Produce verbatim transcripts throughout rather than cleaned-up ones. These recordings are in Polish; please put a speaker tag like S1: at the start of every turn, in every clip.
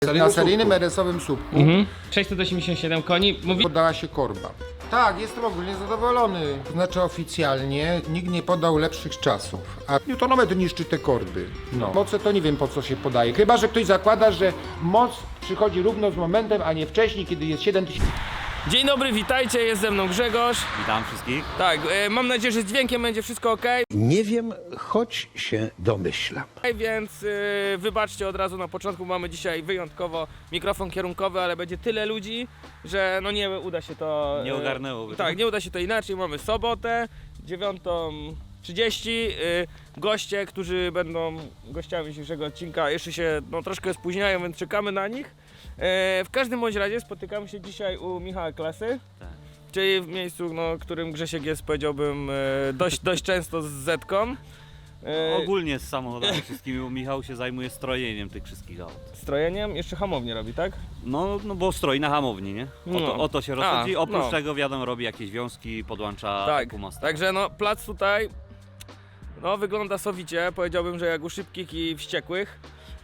S1: Na seryjnym er esowym słupku
S2: Mhm. sześćset osiemdziesiąt siedem koni. Mówi...
S1: podała się korba. Tak, jestem ogólnie zadowolony. Znaczy oficjalnie nikt nie podał lepszych czasów, a newtonometr niszczy te korby. No. Moce to nie wiem po co się podaje. Chyba że ktoś zakłada, że moc przychodzi równo z momentem, a nie wcześniej, kiedy jest siedem tysięcy.
S2: Dzień dobry, witajcie, jest ze mną Grzegorz.
S3: Witam wszystkich.
S2: Tak, e, mam nadzieję, że z dźwiękiem będzie wszystko ok,
S4: Nie wiem, choć się domyślam.
S2: więc e, wybaczcie od razu na początku, mamy dzisiaj wyjątkowo mikrofon kierunkowy, ale będzie tyle ludzi, że no nie uda się to... e,
S3: Nie ogarnęłoby.
S2: Tak, nie uda się to inaczej, mamy sobotę, dziewiątą trzydzieści, y, goście, którzy będą gościami dzisiejszego odcinka, jeszcze się no, troszkę spóźniają, więc czekamy na nich. E, w każdym bądź razie spotykamy się dzisiaj u Michała Klasy,
S3: Tak.
S2: czyli w miejscu, no, którym Grzesiek jest, powiedziałbym, e, dość, dość często z Zetką. E,
S3: Ogólnie z samochodami wszystkimi, bo Michał się zajmuje strojeniem tych wszystkich aut.
S2: Strojeniem, jeszcze hamownię robi, tak?
S3: No, no bo stroi na hamowni, nie? O to,
S2: No.
S3: o to się rozchodzi.
S2: A,
S3: Oprócz
S2: no.
S3: tego wiadomo robi jakieś wiązki, podłącza
S2: Tak,
S3: kumasta.
S2: także no plac tutaj no wygląda sowicie, powiedziałbym, że jak u szybkich i wściekłych.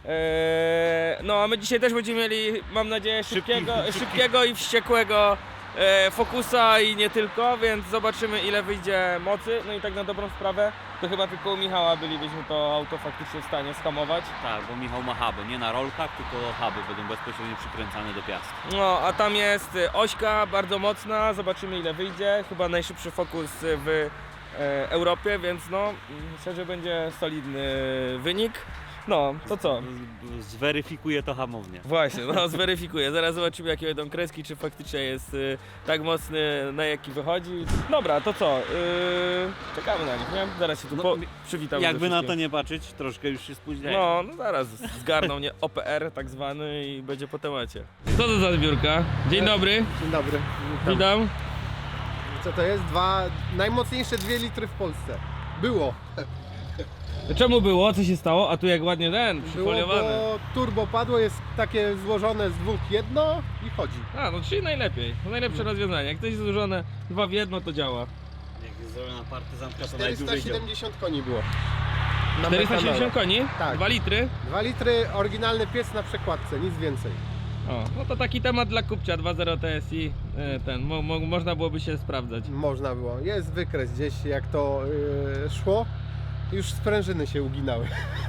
S2: Eee, no a my dzisiaj też będziemy mieli, mam nadzieję, szybkiego,
S3: szybki.
S2: szybkiego i wściekłego e, Focusa i nie tylko, więc zobaczymy ile wyjdzie mocy. No i tak na dobrą sprawę, to chyba tylko u Michała bylibyśmy to auto faktycznie w stanie skamować.
S3: Tak, bo Michał ma huby, nie na rolkach, tylko huby będą bezpośrednio przykręcane do piasku.
S2: No a tam jest e, ośka bardzo mocna, zobaczymy ile wyjdzie, chyba najszybszy Focus w e, Europie, więc no myślę, że będzie solidny wynik. No, to co?
S3: Z- Zweryfikuje to hamownię.
S2: Właśnie, no zweryfikuję. Zaraz zobaczymy jakie będą kreski, czy faktycznie jest y, tak mocny, na jaki wychodzi. Dobra, to co? Yy, czekamy na nich, nie? Zaraz się tu
S3: No,
S2: po, przywitamy. ze
S3: Jakby na to
S2: wszystkim.
S3: nie patrzeć, troszkę już się spóźniają.
S2: No, no zaraz zgarną mnie O P R tak zwany i będzie po temacie. Co to za zbiórka? Dzień dobry,
S5: Dzień dobry.
S2: witam.
S5: Co to jest? Dwa najmocniejsze dwie litry w Polsce. Było.
S2: Czemu było? Co się stało? A tu jak ładnie ten,
S5: Było,
S2: przyfoliowany.
S5: bo turbo padło, jest takie złożone z dwóch jedno i chodzi.
S2: A, no czyli najlepiej. To najlepsze rozwiązanie. Jak ktoś jest złożone dwa w jedno, to działa.
S3: Jak jest zrobiona partyzantka, to najdłużej
S5: czterysta
S3: działa.
S5: siedemdziesiąt koni było. Na
S2: czterysta siedemdziesiąt
S5: metanolu.
S2: koni?
S5: Tak.
S2: dwa litry?
S5: Dwa litry, oryginalny piec na przekładce, nic więcej.
S2: O, no to taki temat dla kupcia dwa zero T S I, e, ten, mo, mo, można byłoby się sprawdzać.
S5: Można było. Jest wykres gdzieś, jak to yy, szło. Już sprężyny się uginały.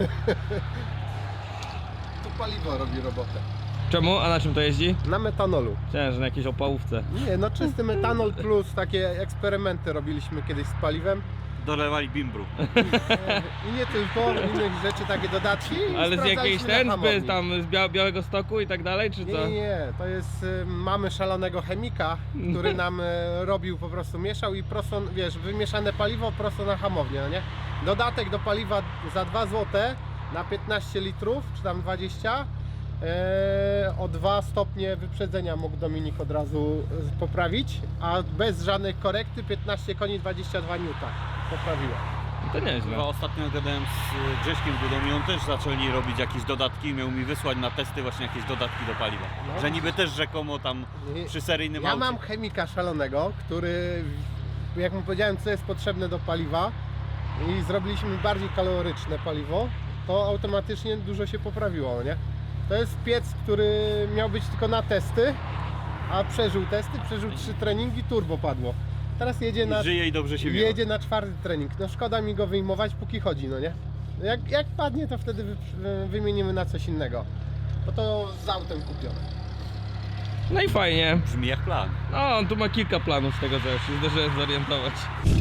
S5: Tu paliwo robi robotę.
S2: Czemu? A na czym to jeździ?
S5: Na metanolu.
S2: Chciałem, że na jakiejś opałówce.
S5: Nie, no czysty metanol plus takie eksperymenty robiliśmy kiedyś z paliwem.
S3: Dolewali bimbru.
S5: I nie tylko, innych rzeczy, takie dodatki. i
S2: Ale z
S5: sprawdzaliśmy
S2: jakiejś
S5: na
S2: ten, z,
S5: hamowni.
S2: tam z Bia Białego Stoku i tak dalej, czy
S5: Nie,
S2: co?
S5: nie, nie, to jest, y, mamy szalonego chemika, który nam y, robił, po prostu mieszał i prosto, wiesz, wymieszane paliwo prosto na hamownię, no nie? Dodatek do paliwa za dwa złote na piętnaście litrów, czy tam dwadzieścia. e, O dwa stopnie wyprzedzenia mógł Dominik od razu y, poprawić, a bez żadnej korekty piętnaście koni, dwadzieścia dwa niuta poprawiła.
S2: To nieźle.
S3: Chyba ostatnio gadałem z Grześkiem Dudą i on też zaczęli robić jakieś dodatki i miał mi wysłać na testy właśnie jakieś dodatki do paliwa.
S5: No.
S3: Że niby też rzekomo tam
S5: I-
S3: przy seryjnym
S5: Ja
S3: aucie.
S5: mam chemika szalonego, który, jak mu powiedziałem, co jest potrzebne do paliwa i zrobiliśmy bardziej kaloryczne paliwo, to automatycznie dużo się poprawiło, nie? To jest piec, który miał być tylko na testy, a przeżył testy, przeżył trzy treningi, turbo padło. Teraz jedzie na,
S3: Żyje i dobrze się miewa.
S5: jedzie na czwarty trening. No szkoda mi go wyjmować, póki chodzi, no nie? Jak, jak padnie, to wtedy wy, wymienimy na coś innego. Bo to z autem kupione.
S2: No i fajnie.
S3: Brzmi jak plan.
S2: No, on tu ma kilka planów z tego, co już się zdążyłem zorientować.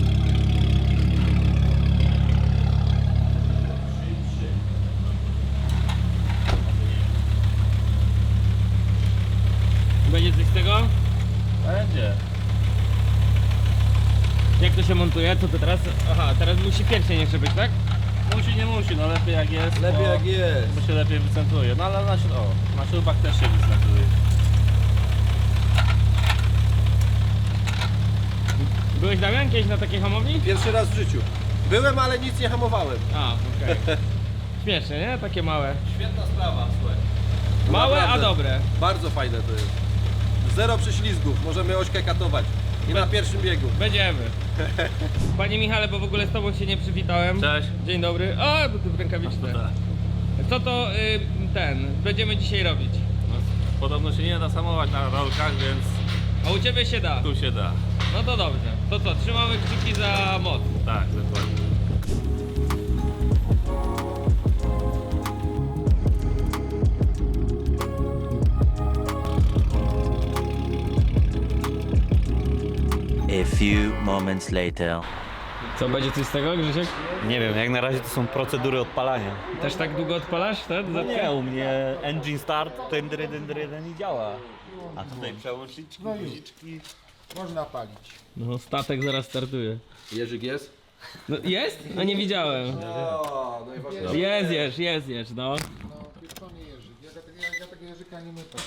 S2: Będzie coś z tego?
S6: Będzie.
S2: Jak to się montuje? Co to teraz? Aha, teraz musi pierścień jeszcze być, tak?
S6: Musi, nie musi, no lepiej jak jest.
S4: Lepiej
S6: bo,
S4: jak jest.
S6: Bo się lepiej wycentruje. No ale na, śrub- o, na śrubach też się wycentruje.
S2: Byłeś, Damian, kiedyś na takiej hamowni?
S4: Pierwszy raz w życiu. Byłem, ale nic nie hamowałem.
S2: A, okej. Śmieszne, nie? Takie małe.
S4: Świetna sprawa, słuchaj.
S2: Małe, a
S4: Naprawdę.
S2: dobre.
S4: Bardzo fajne to jest. Zero prześlizgów, możemy ośkę katować. I na pierwszym biegu.
S2: Będziemy. Panie Michale, bo w ogóle z tobą się nie przywitałem.
S6: Cześć.
S2: Dzień dobry. O, to ty w rękawiczce. Co to y, ten będziemy dzisiaj robić?
S6: Podobno się nie da samować na rolkach, więc
S2: A u Ciebie się da.
S6: tu się da.
S2: No to dobrze. To co, trzymamy kciuki za moc.
S6: Tak, dokładnie.
S7: A few moments later.
S2: Co, będzie coś z tego, Grzesiek?
S3: Nie wiem, jak na razie to są procedury odpalania.
S2: Też tak długo odpalasz ten
S3: No
S2: zetkę?
S3: nie, u mnie engine start, ten dry, ten dry, ten i działa. A tutaj przełączniczki, guziczki.
S1: Można palić.
S2: No, statek zaraz startuje.
S4: Jerzyk jest?
S2: No, jest? No nie widziałem.
S4: O, najważniejsze.
S2: Jest, jest, jest, jest, no.
S1: No, wiesz co, nie Jerzyk. Ja, tak- ja, ja tego Jerzyka nie mytam.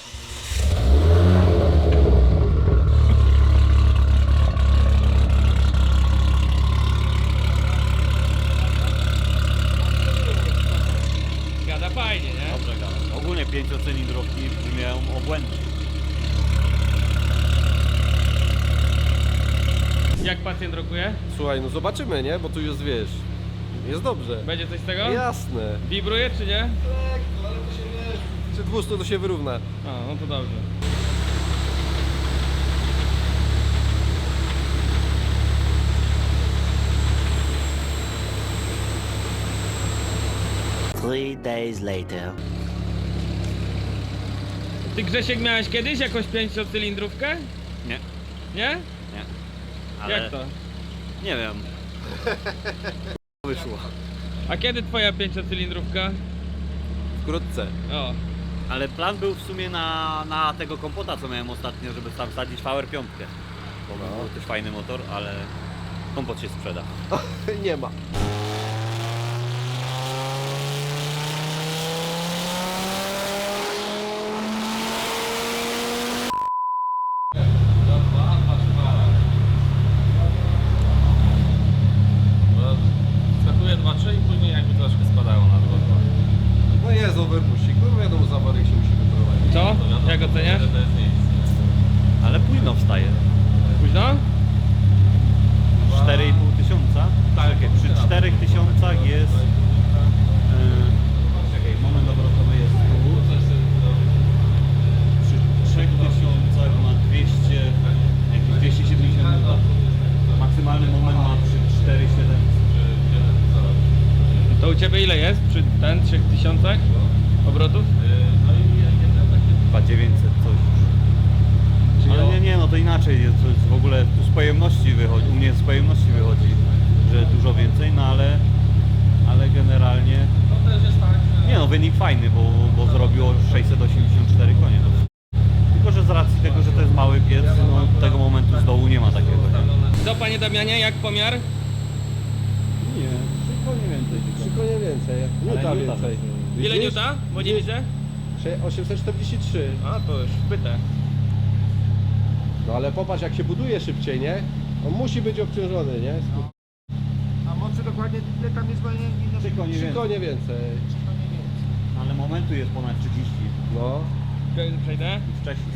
S2: Gada fajnie, nie?
S3: Dobrze gada. Ogólnie pięciocylindrówki brzmią obłędnie.
S2: Jak pacjent rokuje?
S4: Słuchaj, no zobaczymy, nie? Bo tu już wiesz, jest dobrze.
S2: Będzie coś z tego?
S4: Jasne.
S2: Wibruje czy nie?
S4: Lekko, ale to się wiesz, przy dwustu to się wyrówna.
S2: A, no to dobrze.
S7: Three days later.
S2: Ty, Grzesiek, miałeś kiedyś jakąś pięciocylindrówkę?
S3: Nie,
S2: Nie?
S3: nie. Ale
S2: Jak to?
S3: nie wiem. Wyszło.
S2: A kiedy twoja pięciocylindrówka?
S4: Wkrótce.
S2: O,
S3: Ale plan był w sumie na, na tego kompota, co miałem ostatnio, żeby tam wsadzić V R pięć. Bo
S4: No.
S3: był też fajny motor, ale kompot się sprzeda.
S4: Nie ma.
S6: Bo skakuje dwa trzy i później jakby troszkę spadało na dwa dwa.
S4: No jest overpuścik, no wiadomo, z awarii się musi wyprowadzić.
S2: co? Jak oceniasz?
S6: To jest miejsce.
S3: Ale późno wstaje.
S2: Późno?
S3: cztery i pół tysiąca? Tak, przy czterech tysiącach jest... Yy, czekaj, moment obrotowy jest tu. Przy trzech tysiącach ma dwieście, jakieś dwieście siedemdziesiąt newtonów. Maksymalny moment ma przy cztery siedem.
S2: To u Ciebie ile jest przy ten trzech tysiącach obrotów?
S3: Chyba dziewięćset coś. Ale nie, nie, no to inaczej jest, to jest w ogóle tu z pojemności wychodzi, u mnie z pojemności wychodzi, że dużo więcej, no ale, ale generalnie, nie no, wynik fajny, bo, bo zrobiło sześćset osiemdziesiąt cztery konie. No. Tylko, że z racji tego, że to jest mały piec, no tego momentu z dołu nie ma takiego. Nie,
S2: Co, Panie Damianie, jak pomiar?
S3: nie trzy konie więcej.
S4: Trzy konie więcej.
S3: Ale
S4: Nuta
S3: nuta
S4: więcej.
S3: też.
S2: Ile niuta? Bo nie widzę.
S4: osiemset czterdzieści trzy.
S2: A, to już wpytę.
S4: No ale popatrz, jak się buduje szybciej, nie? On musi być obciążony, nie?
S1: A mocy dokładnie ile tam jest, bo nie, nie
S3: Trzy konie
S4: Trzy
S3: więcej.
S4: konie więcej.
S3: Ale momentu jest ponad trzydzieści
S4: No.
S2: Przejdę?
S3: i wcześniej.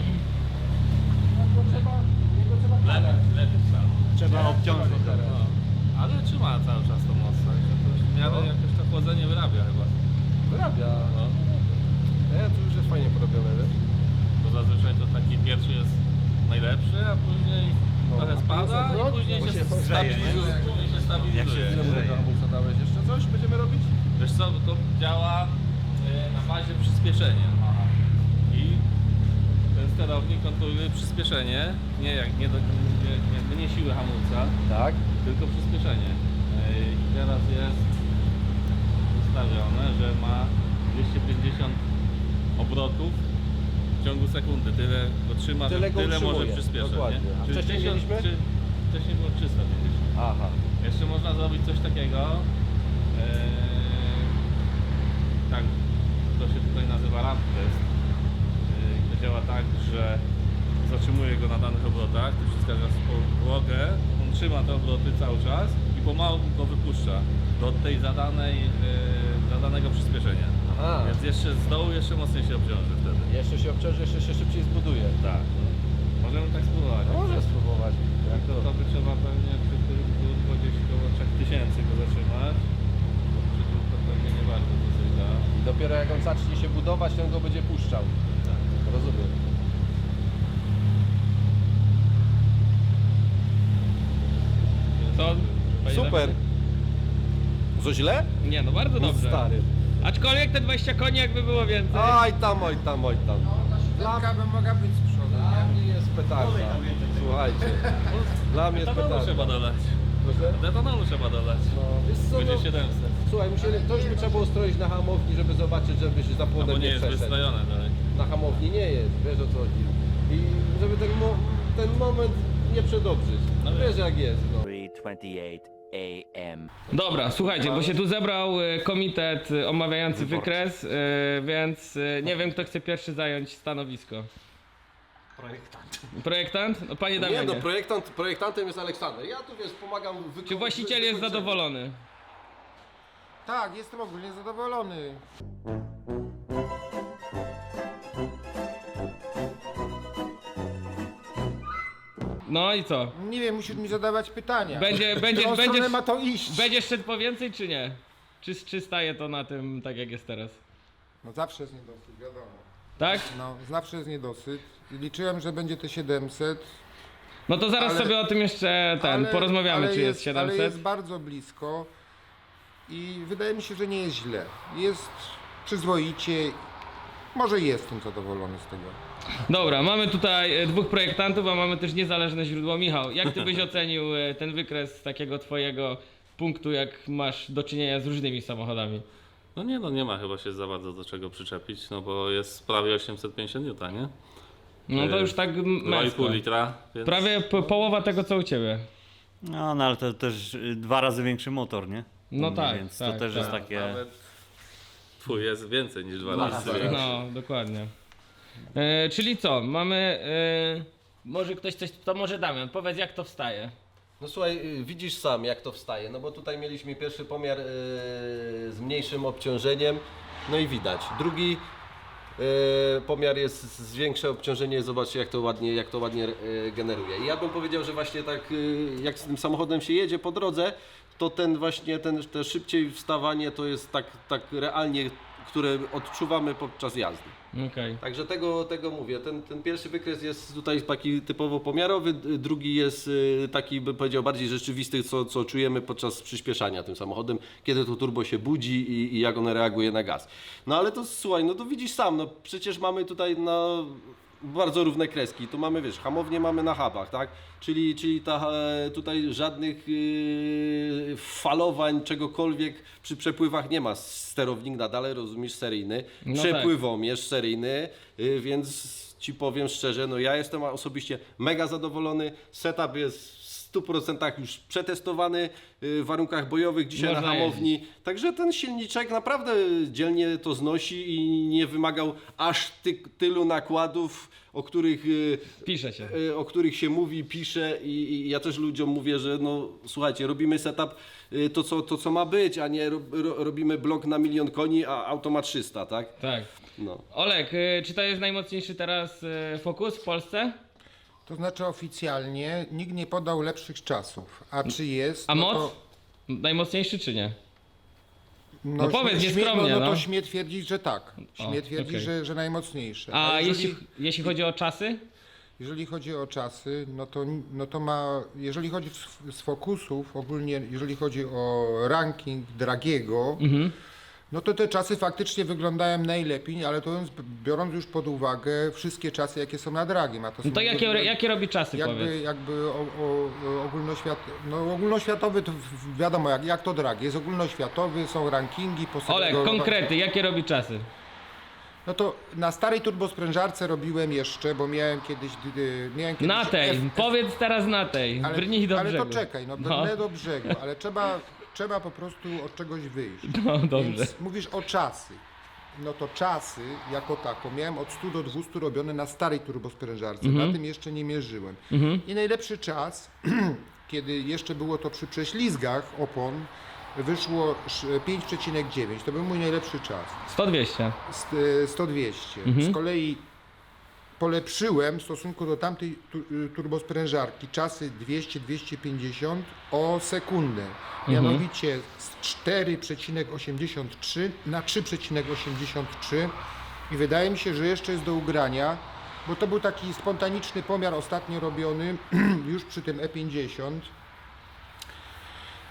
S6: Lepiej, lepiej stał.
S3: Trzeba obciążyć.
S6: No. Ale trzyma cały czas tą moc, także to już w miarę
S4: No.
S6: jakoś to chłodzenie wyrabia chyba.
S4: Wyrabia.
S6: No.
S4: Nie, tu już jest fajnie porobione, wiesz?
S6: Bo zazwyczaj to taki pierwszy jest najlepszy, a później
S4: No.
S6: trochę spada
S4: A
S6: i później
S3: bo
S6: się
S3: się grzeje, nie?
S6: stabilizuje. Później się
S3: Jak się
S6: stabilizuje.
S4: Ile mu tego hamulca dałeś? Jeszcze coś będziemy robić?
S6: Wiesz co, to działa e, na bazie przyspieszenia. I ten sterownik kontroluje przyspieszenie, nie jak nie, do, nie, jakby nie siłę hamulca,
S4: Tak.
S6: tylko przyspieszenie. E, I teraz jest ustawione, że ma dwieście pięćdziesiąt obrotów w ciągu sekundy. Tyle go trzyma,
S4: Tyle
S6: że
S4: go
S6: tyle może
S4: utrzymuje,
S6: przyspieszać.
S4: dokładnie.
S6: Nie?
S4: A
S6: Czy
S4: wcześniej
S6: tysiąc-
S4: mieliśmy?
S6: Czy, wcześniej było trzysta pięćdziesiąt.
S4: Aha.
S6: Jeszcze można zrobić coś takiego. Eee, tak, to się tutaj nazywa ramp test. Eee, to działa tak, że zatrzymuje go na danych obrotach, tu wciska na podłogę, on trzyma te obroty cały czas i pomału go wypuszcza do tej zadanej, eee, zadanego przyspieszenia.
S4: Aha.
S6: Więc jeszcze z dołu jeszcze mocniej się obciąży wtedy.
S4: Jeszcze się obciąży, jeszcze się szybciej zbuduje.
S6: Tak. Możemy tak spróbować.
S4: No, może spróbować. Jak
S6: To,
S4: to?
S6: to by trzeba pewnie przy tym turbo gdzieś około trzy tysiące go zatrzymać. Bo przy tym to pewnie nie bardzo to coś da.
S4: I dopiero jak on zacznie się budować, to on go będzie puszczał.
S6: Tak.
S4: Co źle?
S2: Nie, no bardzo
S4: No
S2: dobrze.
S4: stary.
S2: Aczkolwiek te dwadzieścia koni jakby było więcej.
S4: Oj tam, oj tam, oj tam.
S1: Siódemka by mogła być z przodu,
S4: Dla
S1: nie?
S4: mnie jest petarda. Słuchajcie. Dla mnie jest
S6: Etanolu
S4: petarda.
S6: trzeba dolać.
S4: Proszę?
S6: Etanolu trzeba dolać.
S4: No, wiesz co,
S6: Będzie
S4: no,
S6: siedemset.
S4: słuchaj, musieli, to już by trzeba było stroić na hamowni, żeby zobaczyć, żeby się za
S6: No bo
S4: płonem
S6: nie
S4: nie
S6: jest
S4: przeszedł.
S6: wystrojone dalej.
S4: Na hamowni nie jest, wiesz o co chodzi. I żeby ten, mo ten moment nie przedobrzyć.
S6: No
S4: Wiesz jak jest, no.
S7: three twenty-eight a m
S2: Dobra, słuchajcie, bo się tu zebrał e, komitet e, omawiający wykres, e, więc e, nie wiem, kto chce pierwszy zająć stanowisko. Projektant. Projektant? No panie
S4: Nie
S2: Damianie.
S4: no, projektant, projektantem jest Aleksander. Ja tu wiesz, pomagam wyko-
S2: Czy właściciel jest
S4: wykończeniu.
S2: zadowolony?
S1: Tak, jestem ogólnie zadowolony.
S2: No i co?
S1: Nie wiem, musisz mi zadawać pytania.
S2: Będzie,
S1: W
S2: będziesz,
S1: którą stronę
S2: będziesz,
S1: ma to iść?
S2: będziesz szedł po więcej czy nie? Czy, czy staje to na tym tak jak jest teraz?
S1: No zawsze jest niedosyt, wiadomo.
S2: Tak?
S1: No, zawsze jest niedosyt. Liczyłem, że będzie te siedemset.
S2: No to zaraz
S1: Ale-
S2: sobie o tym jeszcze ten,
S1: ale-
S2: porozmawiamy
S1: ale
S2: czy jest
S1: Ale
S2: siedemset.
S1: jest bardzo blisko i wydaje mi się, że nie jest źle. Jest przyzwoicie. Może jestem zadowolony z tego.
S2: Dobra, mamy tutaj e, dwóch projektantów, a mamy też niezależne źródło. Michał, jak ty byś ocenił e, ten wykres z takiego twojego punktu, jak masz do czynienia z różnymi samochodami?
S6: No nie no, nie ma chyba się za bardzo do czego przyczepić, no bo jest prawie osiemset pięćdziesiąt niuta, nie?
S2: No to
S6: E,
S2: już tak m-
S6: dwa i
S2: męsko.
S6: pół litra, więc...
S2: Prawie po, połowa tego co u ciebie.
S3: No, no ale to też y, dwa razy większy motor, nie?
S2: No
S3: U mnie,
S2: tak,
S3: Więc
S2: tak,
S3: to też
S2: tak.
S3: jest takie...
S6: Nawet twój jest więcej niż dwa razy.
S2: No, dokładnie. E, czyli co, mamy... E, może ktoś coś... To może Damian, powiedz jak to wstaje.
S4: No słuchaj, y, widzisz sam jak to wstaje, no bo tutaj mieliśmy pierwszy pomiar y, z mniejszym obciążeniem, no i widać. Drugi y, pomiar jest z większe obciążenie, zobaczcie jak to ładnie, jak to ładnie y, generuje. I ja bym powiedział, że właśnie tak y, jak z tym samochodem się jedzie po drodze, to ten właśnie, ten, te szybciej wstawanie to jest tak, tak realnie, które odczuwamy podczas jazdy.
S2: Okej.
S4: Także tego, tego mówię. Ten, ten pierwszy wykres jest tutaj taki typowo pomiarowy, d- drugi jest y, taki, bym powiedział, bardziej rzeczywisty, co, co czujemy podczas przyspieszania tym samochodem, kiedy to turbo się budzi i, i jak ono reaguje na gaz. No ale to słuchaj, no to widzisz sam, no przecież mamy tutaj na bardzo równe kreski. Tu mamy, wiesz, hamownię mamy na hubach, tak? Czyli, czyli ta, e, tutaj żadnych yy, falowań, czegokolwiek przy przepływach nie ma. Sterownik nadal, rozumiesz, seryjny.
S2: No
S4: Przepływomierz seryjny, yy, więc ci powiem szczerze, no ja jestem osobiście mega zadowolony. Setup jest w stu procentach już przetestowany yy, w warunkach bojowych, dzisiaj
S2: Można
S4: na hamowni. Także ten silniczek naprawdę dzielnie to znosi i nie wymagał aż ty, tylu nakładów, o których, yy,
S2: Pisze się.
S4: yy, o których się mówi, pisze i, i ja też ludziom mówię, że no słuchajcie, robimy setup yy, to, co, to co ma być, a nie ro, ro, robimy blok na milion koni, a auto ma trzysta, tak?
S2: Tak.
S4: No.
S2: Olek, y, czy to jest najmocniejszy teraz y, Focus w Polsce?
S1: To znaczy oficjalnie nikt nie podał lepszych czasów. A czy jest?
S2: A
S1: no
S2: moc?
S1: To,
S2: Najmocniejszy czy nie?
S1: no,
S2: No powiedz
S1: śmie-
S2: nieskromnie,
S1: no, no
S2: no.
S1: to śmie twierdzić, że tak. Śmie
S2: O,
S1: twierdzić,
S2: okej.
S1: że, że najmocniejsze.
S2: A
S1: jeżeli,
S2: jeśli, jeśli chodzi o czasy?
S1: jeżeli chodzi o czasy, no to, no to ma, jeżeli chodzi z, z Focusów, ogólnie jeżeli chodzi o ranking Dragiego,
S2: Mhm.
S1: no to te czasy faktycznie wyglądają najlepiej, ale to biorąc, biorąc już pod uwagę wszystkie czasy, jakie są na Dragiem. A to,
S2: No
S1: są
S2: to jakie,
S1: jakby-
S2: jakie robi czasy,
S1: Jakby,
S2: powiedz?
S1: jakby o, o, o ogólnoświat, no ogólnoświatowy to w- wiadomo jak, jak to drag, jest ogólnoświatowy, są rankingi po
S2: Olek, konkrety, jakie robi czasy?
S1: No to na starej turbosprężarce robiłem jeszcze, bo miałem kiedyś, dy- miałem kiedyś
S2: Na tej,
S1: F- F-
S2: powiedz teraz na tej,
S1: ale,
S2: brnij do
S1: ale
S2: brzegu.
S1: to czekaj, no brnę do brzegu, ale trzeba, trzeba po prostu od czegoś wyjść.
S2: No dobrze.
S1: Więc mówisz o czasy. No to czasy jako tako miałem od stu do dwustu robione na starej turbosprężarce,
S2: Mhm.
S1: na tym jeszcze nie mierzyłem. I najlepszy czas, kiedy jeszcze było to przy prześlizgach opon, wyszło sz- pięć przecinek dziewięć. To był mój najlepszy czas.
S2: sto dwieście.
S1: St- sto dwieście.
S2: Mhm.
S1: Z kolei polepszyłem w stosunku do tamtej tu, y, turbosprężarki czasy dwieście dwieście pięćdziesiąt o sekundę.
S2: Mhm.
S1: Mianowicie z cztery przecinek osiemdziesiąt trzy na trzy przecinek osiemdziesiąt trzy i wydaje mi się, że jeszcze jest do ugrania, bo to był taki spontaniczny pomiar ostatnio robiony już przy tym E pięćdziesiąt.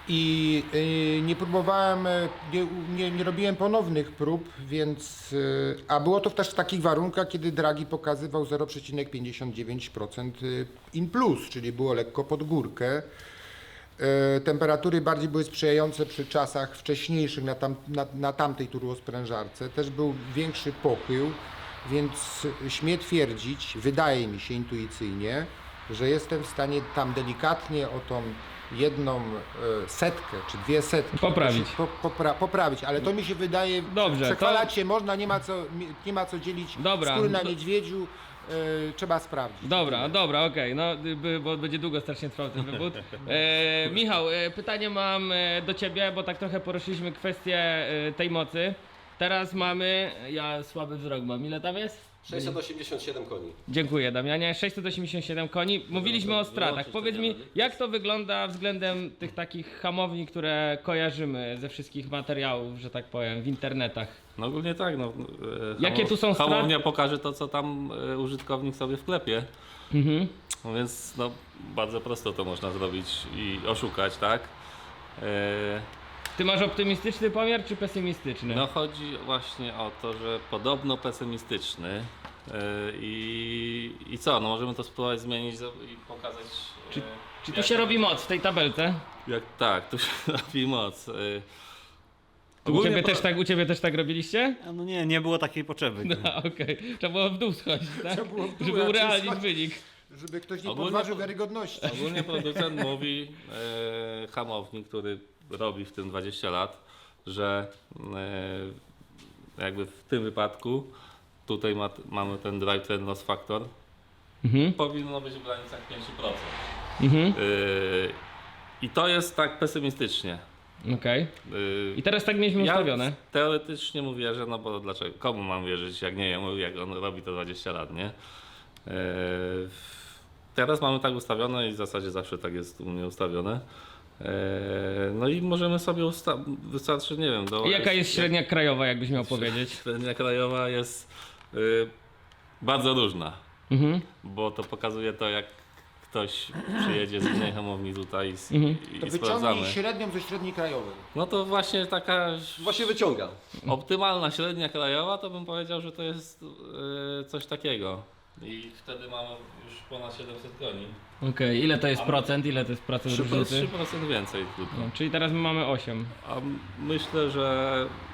S1: I y, nie próbowałem, y, nie, nie, nie robiłem ponownych prób, więc, y, a było to też w takich warunkach, kiedy Draghi pokazywał zero przecinek pięćdziesiąt dziewięć procent in plus, czyli było lekko pod górkę. Y, temperatury bardziej były sprzyjające przy czasach wcześniejszych na, tam, na, na tamtej turbosprężarce. Też był większy pochył, więc śmiem twierdzić, wydaje mi się intuicyjnie, że jestem w stanie tam delikatnie o tą jedną e, setkę czy dwie setki
S2: Poprawić.
S1: Po, popra, poprawić, ale to mi się wydaje,
S2: Dobrze,
S1: przechwalać się można, nie ma co, nie ma co dzielić
S2: Dobra.
S1: skóry na
S2: Do-
S1: niedźwiedziu, e, trzeba sprawdzić.
S2: Dobra, dobra, okej, no by- bo będzie długo strasznie trwał ten wywód. E, Michał, e, pytanie mam e, do ciebie, bo tak trochę poruszyliśmy kwestię e, tej mocy. Teraz mamy, ja słaby wzrok mam, ile tam jest?
S4: sześćset osiemdziesiąt siedem koni.
S2: Dziękuję Damianie, sześćset osiemdziesiąt siedem koni. Mówiliśmy o stratach. Powiedz mi, jak to wygląda względem tych takich hamowni, które kojarzymy ze wszystkich materiałów, że tak powiem, w internetach?
S6: No ogólnie tak, no. e,
S2: Jakie tu są straty?
S6: Hamownia pokaże to, co tam e, użytkownik sobie wklepie.
S2: Mhm.
S6: No więc no, bardzo prosto to można zrobić i oszukać, tak? E,
S2: Ty masz optymistyczny pomiar czy pesymistyczny?
S6: No chodzi właśnie o to, że podobno pesymistyczny. e, I, I co? No możemy to spróbować zmienić i pokazać. e,
S2: Czy, czy tu
S6: jak-
S2: się robi moc w tej tabelce?
S6: Jak, tak, tu się robi moc. e.
S2: U
S6: Ogólnie
S2: ciebie,
S6: pro-
S2: też tak, u ciebie też tak robiliście?
S3: A no nie, nie było takiej potrzeby.
S2: No okej, trzeba było w dół schodzić, tak?
S1: Trzeba było w dół
S2: Żeby
S1: raczej
S2: urealnić
S1: schodzić.
S2: wynik.
S1: Żeby ktoś nie
S6: Ogólnie
S1: podważył
S6: po-
S1: wiarygodności.
S6: Ogólnie producent mówi, e, hamownik, który robi w tym dwadzieścia lat, że e, jakby w tym wypadku tutaj ma, mamy ten drive train loss factor,
S2: Mhm.
S6: powinno być w granicach pięć procent.
S2: Mhm.
S6: E, I to jest tak pesymistycznie.
S2: Okej.
S6: E,
S2: I teraz tak mieliśmy
S6: ja
S2: ustawione.
S6: teoretycznie mu wierzę, no bo dlaczego? Komu mam wierzyć, jak nie jemu, jak on robi to dwadzieścia lat, nie? Eee, teraz mamy tak ustawione i w zasadzie zawsze tak jest u mnie ustawione. Eee, no i możemy sobie ustawić, wystarczy, nie wiem, do...
S2: I jaka jest średnia krajowa, jakbyś miał powiedzieć?
S6: Średnia krajowa jest y, bardzo różna,
S2: Mhm.
S6: bo to pokazuje to, jak ktoś przyjedzie z innej hamowni tutaj i, s-
S2: Mhm.
S6: i,
S1: To
S6: i
S1: wyciągnij
S6: sprawdzamy.
S1: średnią ze średniej krajowej.
S6: No to właśnie taka
S4: Właśnie wyciąga.
S6: optymalna średnia krajowa, to bym powiedział, że to jest e, coś takiego. I wtedy mamy już ponad siedemset koni.
S2: Okej, ile to jest procent? Ile to jest procent
S6: trzy
S2: różnicy?
S6: procent więcej tylko.
S2: No, czyli teraz my mamy osiem.
S6: A m- myślę, że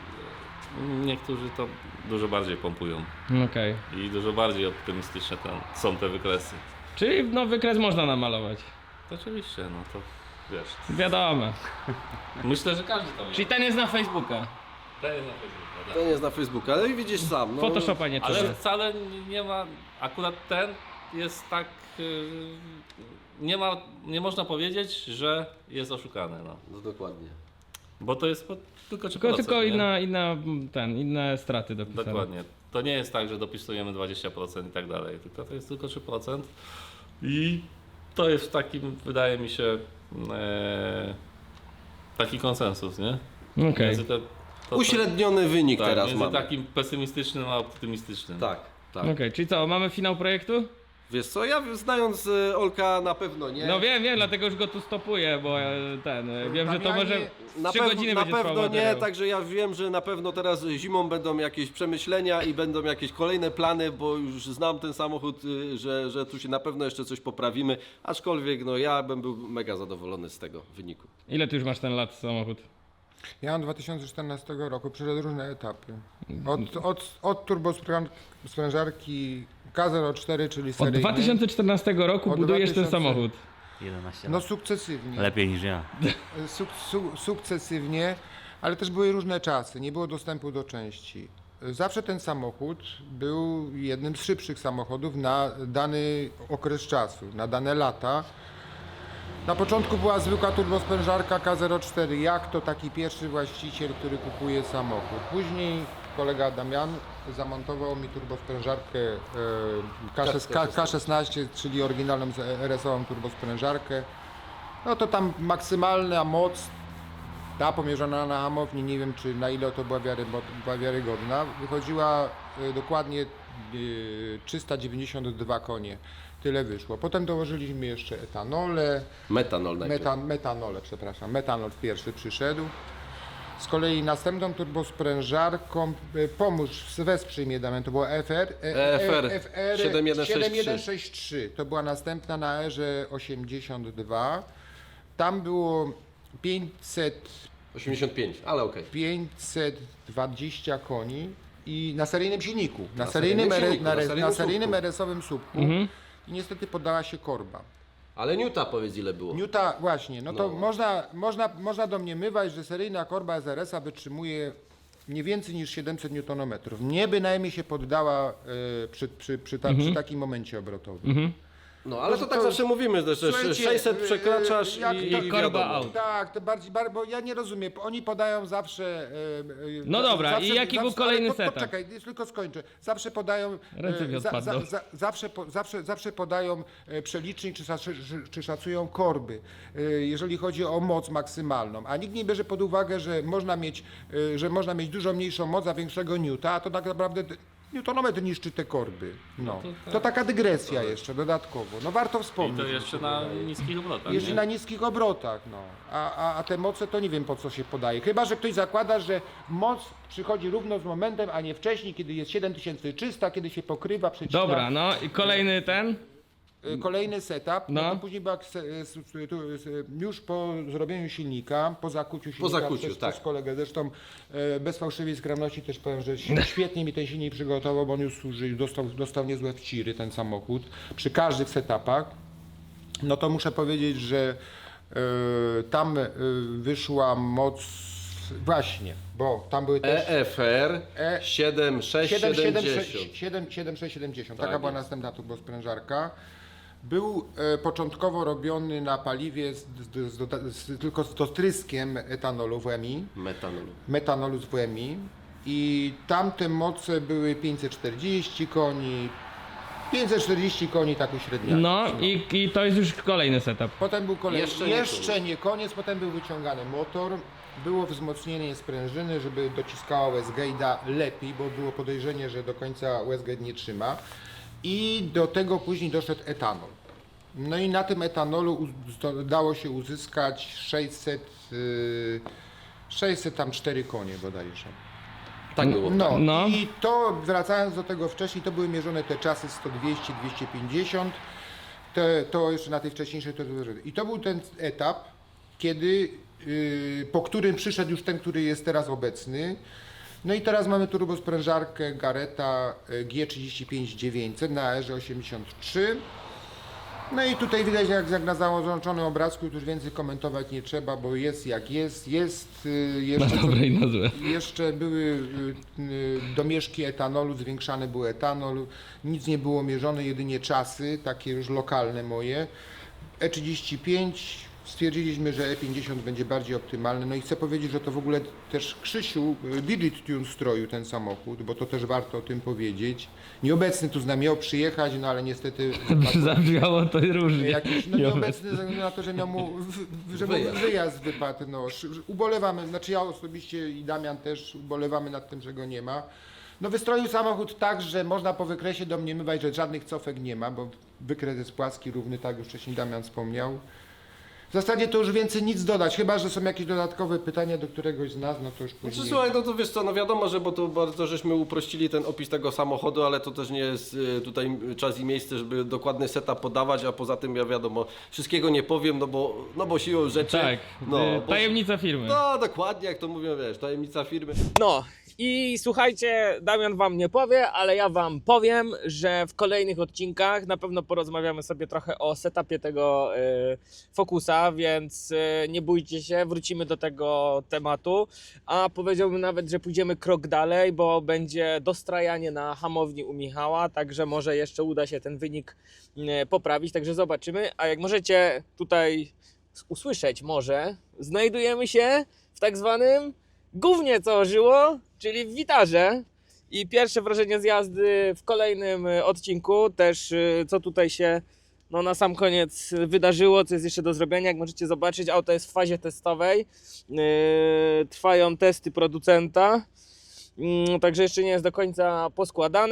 S6: niektórzy to dużo bardziej pompują
S2: Okej.
S6: i dużo bardziej optymistyczne ten, są te wykresy.
S2: Czyli no wykres można namalować.
S6: To oczywiście, no to wiesz.
S2: Wiadomo.
S6: Myślę, że każdy to wie.
S2: Czyli ten jest na Facebooka.
S6: To jest na Facebooku, tak.
S4: To nie jest na Facebooku, ale widzisz sam. No,
S2: Photoshopa nie trzeba.
S6: Ale wcale nie ma, akurat ten jest tak, yy, nie ma, nie można powiedzieć, że jest oszukany, no.
S4: no dokładnie.
S6: Bo to jest po, tylko trzy
S2: Tylko,
S6: procent,
S2: tylko
S6: nie?
S2: inna, inna, ten, inne straty dopisane.
S6: Dokładnie. To nie jest tak, że dopisujemy dwadzieścia procent i tak dalej, tylko to jest tylko trzy procent i to jest takim, wydaje mi się, e, taki konsensus, nie?
S2: Okej.
S6: Między te- to- to-
S4: Uśredniony wynik
S6: tak,
S4: teraz
S6: między
S4: mamy.
S6: takim pesymistycznym a optymistycznym.
S4: Tak, tak.
S2: Okej, czyli co, mamy finał projektu?
S4: Wiesz co, ja znając e, Olka na pewno nie.
S2: No wiem, wiem, dlatego już go tu stopuję, bo e, ten, e, wiem, że to
S1: Damianie,
S2: może
S4: Na,
S2: trzy
S4: pew-
S2: godziny
S4: na
S2: będzie trwał
S4: pewno nie,
S2: materiał.
S4: także ja wiem, że na pewno teraz zimą będą jakieś przemyślenia i będą jakieś kolejne plany, bo już znam ten samochód, y, że, że tu się na pewno jeszcze coś poprawimy, aczkolwiek no ja bym był mega zadowolony z tego wyniku.
S2: Ile ty już masz ten lat samochód?
S1: Ja mam dwa tysiące czternastego roku, przeszedł różne etapy. Od, od, od turbosprężarki K zero cztery, czyli
S2: Od
S1: seryjnej.
S2: dwa tysiące czternastego roku
S1: Od
S2: budujesz ten
S1: 2000.
S2: samochód.
S3: jedenaście
S1: No
S3: lat.
S1: sukcesywnie.
S3: Lepiej niż ja.
S1: Suk, su, sukcesywnie, ale też były różne czasy, nie było dostępu do części. Zawsze ten samochód był jednym z szybszych samochodów na dany okres czasu, na dane lata. Na początku była zwykła turbosprężarka K zero cztery, jak to taki pierwszy właściciel, który kupuje samochód. Później kolega Damian zamontował mi turbosprężarkę e, K szesnaście, K- K szesnaście, czyli oryginalną z- R S-ową turbosprężarkę. No to tam maksymalna moc, ta pomierzona na hamowni, nie wiem czy na ile to była, wiary, była wiarygodna, wychodziła e, dokładnie yy, trzysta dziewięćdziesiąt dwa konie. Tyle wyszło. Potem dołożyliśmy jeszcze etanole,
S4: Metanol najpierw.
S1: metan, metanole, przepraszam, metanol pierwszy przyszedł. Z kolei następną turbosprężarką, y, pomóż, wesprzyj mnie Damian, to była F R, e,
S4: F R
S1: F R
S4: siedem jeden sześć trzy.
S1: jeden sześć trzy. To była następna na erze osiemdziesiąt dwa. Tam było pięćset,
S4: osiemdziesiąt pięć, ale okej.
S1: pięćset dwadzieścia koni i na seryjnym silniku, na,
S4: Na
S1: seryjnym,
S4: seryjnym
S1: R-
S4: silniku,
S1: na,
S4: na
S1: re-
S4: seryjnym
S1: na seryjnym
S4: słupku.
S1: R S-owym słupku i niestety poddała się korba.
S4: Ale Newta powiedz ile było.
S1: Newta, właśnie, no to
S4: No.
S1: Można, można, można domniemywać, że seryjna korba S R S-a wytrzymuje nie więcej niż siedemset newtonometrów. Nie bynajmniej się poddała y, przy, przy, przy, ta, przy takim momencie obrotowym.
S4: No ale to,
S1: To-
S4: tak
S1: to-
S4: zawsze mówimy, że
S1: Słuchajcie,
S4: sześćset
S1: y,
S4: przekraczasz
S1: jak
S4: i,
S1: to-
S4: i
S2: korba
S4: wiadomo.
S2: out.
S1: Tak, to bardziej, bar, bo ja nie rozumiem, oni podają zawsze... y, y,
S2: No
S1: za-
S2: dobra, i jaki był kolejny
S1: ale po-
S2: setup?
S1: Poczekaj, już tylko skończę. Zawsze podają...
S2: Ręce mi
S1: y, za,
S2: odpadną.
S1: za, za, zawsze, po, zawsze, zawsze podają y, przelicznik, czy, szac- czy, czy szacują korby, y, jeżeli chodzi o moc maksymalną. A nikt nie bierze pod uwagę, że można mieć, y, że można mieć dużo mniejszą moc, a większego newta, a to tak naprawdę... Newtonometr niszczy te korby. No. To taka dygresja jeszcze dodatkowo. No warto
S6: I
S1: wspomnieć.
S6: to jeszcze na niskich obrotach.
S1: Jeszcze
S6: nie?
S1: na niskich obrotach, no. A, a, a te moce to nie wiem po co się podaje. Chyba że ktoś zakłada, że moc przychodzi równo z momentem, a nie wcześniej, kiedy jest siedem tysięcy trzysta, kiedy się pokrywa, przecina.
S2: Dobra, no i kolejny ten.
S1: Y, Kolejny setup, no,
S2: No.
S1: to później była se- s- s- tu- s- już po zrobieniu silnika, po zakuciu silnika
S4: zakuciu,
S1: przez,
S4: tak.
S1: przez kolegę, zresztą e, bez fałszywej skromności też powiem, że ś- świetnie mi ten silnik przygotował, bo on już służy, dostał, dostał niezłe wciry ten samochód, przy każdych setupach. No to muszę powiedzieć, że e, tam e, wyszła moc, właśnie, bo tam były też...
S4: E F R
S1: E-
S4: siedem sześć
S1: siedem siedem
S4: siedemdziesiąt.
S1: sześć siedem siedem sześć siedemdziesiąt. Taka
S4: Tak
S1: była
S4: jest.
S1: następna turbosprężarka. Był e, początkowo robiony na paliwie z, z, z, doda- z, tylko z dotryskiem etanolu W M I,
S4: Metanolu.
S1: metanolu z W M I i tamte moce były pięćset czterdzieści koni, pięćset czterdzieści koni tak uśredniało.
S2: No i, i to jest już kolejny setup.
S1: Potem był kolejny,
S4: Jeszcze
S1: jeszcze,
S4: nie
S1: nie, koniec, potem był wyciągany motor, było wzmocnienie sprężyny, żeby dociskała Westgate'a lepiej, bo było podejrzenie, że do końca Westgate nie trzyma. I do tego później doszedł etanol. No i na tym etanolu uz- zdo- dało się uzyskać sześćset, yy, sześćset tam cztery konie bodajże.
S4: Tak było.
S1: No,
S2: No.
S1: i to wracając do tego wcześniej, to były mierzone te czasy sto dwieście dwieście pięćdziesiąt, te, to jeszcze na tej wcześniejszej to I to był ten etap, kiedy, yy, po którym przyszedł już ten, który jest teraz obecny. No i teraz mamy turbosprężarkę Garretta y, G trzydzieści pięć dziewięćset na erze osiemdziesiąt trzy. No i tutaj widać, jak, jak na załączonym obrazku, już więcej komentować nie trzeba, bo jest jak jest. Jest y,
S2: Na
S1: jeszcze,
S2: dobre i na złe.
S1: jeszcze były y, y, domieszki etanolu, zwiększany był etanol, nic nie było mierzone, jedynie czasy, takie już lokalne moje. E trzydzieści pięć, stwierdziliśmy, że E pięćdziesiąt będzie bardziej optymalny. No i chcę powiedzieć, że to w ogóle też Krzysiu y, Digit Tune stroił ten samochód, bo to też warto o tym powiedzieć. Nieobecny tu z nami miał przyjechać, no ale niestety
S2: Zabrzmiało to różnie.
S1: jakiś, no nieobecny ze względu na to, że miał mu, w, w, że mu
S4: Wyjazd.
S1: wyjazd wypadł. No, sz- ubolewamy, znaczy ja osobiście i Damian też ubolewamy nad tym, że go nie ma. No wystroił samochód tak, że można po wykresie domniemywać, że żadnych cofek nie ma, bo wykres jest płaski, równy, tak już wcześniej Damian wspomniał. W zasadzie to już więcej nic dodać, chyba że są jakieś dodatkowe pytania do któregoś z nas, no to już
S4: Znaczy,
S1: później.
S4: słuchaj, no to wiesz co, no wiadomo, że bo to bardzo żeśmy uprościli ten opis tego samochodu, ale to też nie jest y, tutaj czas i miejsce, żeby dokładny setup podawać, a poza tym ja wiadomo, wszystkiego nie powiem, no bo, no bo siłą rzeczy.
S2: Tak,
S4: no,
S2: y,
S4: bo,
S2: tajemnica firmy.
S4: no dokładnie, jak to mówią, wiesz, tajemnica firmy.
S2: No i słuchajcie, Damian wam nie powie, ale ja wam powiem, że w kolejnych odcinkach na pewno porozmawiamy sobie trochę o setupie tego y, Focusa, więc y, nie bójcie się, wrócimy do tego tematu, a powiedziałbym nawet, że pójdziemy krok dalej, bo będzie dostrajanie na hamowni u Michała, także może jeszcze uda się ten wynik y, poprawić, także zobaczymy, a jak możecie tutaj usłyszeć może, znajdujemy się w tak zwanym gównie, co ożyło, czyli w witarze. I pierwsze wrażenie z jazdy w kolejnym y, odcinku, też y, co tutaj się no, na sam koniec wydarzyło, co jest jeszcze do zrobienia. Jak możecie zobaczyć, auto jest w fazie testowej, yy, trwają testy producenta, yy, także jeszcze nie jest do końca poskładane.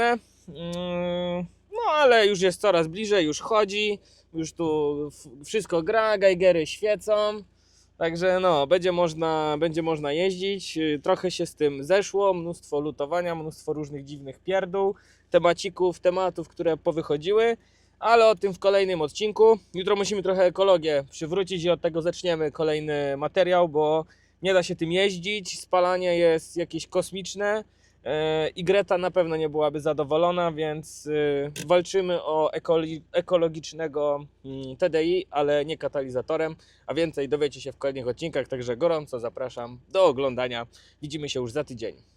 S2: Mm, No ale już jest coraz bliżej, już chodzi, już tu f- wszystko gra, geigery świecą. Także no, będzie można, będzie można jeździć. Yy, Trochę się z tym zeszło, mnóstwo lutowania, mnóstwo różnych dziwnych pierdół, temacików, tematów, które powychodziły, ale o tym w kolejnym odcinku. Jutro musimy trochę ekologię przywrócić i od tego zaczniemy kolejny materiał, bo nie da się tym jeździć, spalanie jest jakieś kosmiczne. Yy, I Greta na pewno nie byłaby zadowolona, więc yy, walczymy o ekoli- ekologicznego mm, T D I, ale nie katalizatorem, a więcej dowiecie się w kolejnych odcinkach, także gorąco zapraszam do oglądania. Widzimy się już za tydzień.